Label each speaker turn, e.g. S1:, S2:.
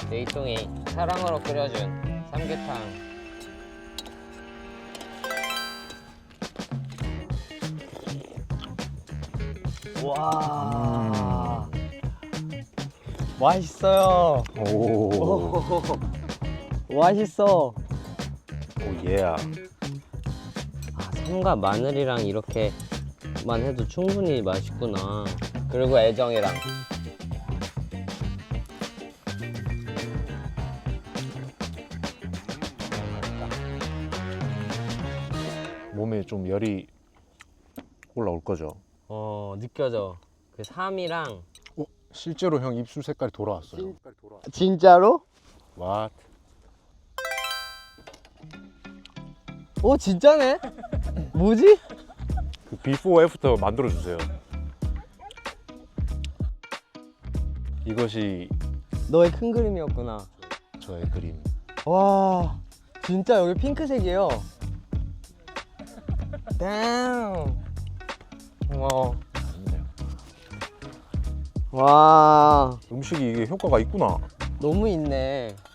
S1: 내이통이 사랑으로 끓여준 삼계탕. 와, 맛있어요.
S2: 오,
S1: 맛있어.
S2: 오 예.
S1: 아, 삼과 마늘이랑 이렇게만 해도 충분히 맛있구나. 그리고 애정이랑.
S2: 몸에 좀 열이 올라올 거죠.
S1: 느껴져. 그 삼이랑.
S2: 실제로 형 입술 색깔이 돌아왔어요.
S1: 진짜로?
S2: 와,
S1: 오, 진짜네? 뭐지?
S2: 그 비포 애프터 만들어 주세요. 이것이
S1: 너의 큰 그림이었구나.
S2: 저의 그림.
S1: 와, 진짜 여기 핑크색이에요. damn.
S2: 아니네요.
S1: 와,
S2: 음식이 이게 효과가 있구나.
S1: 너무 있네.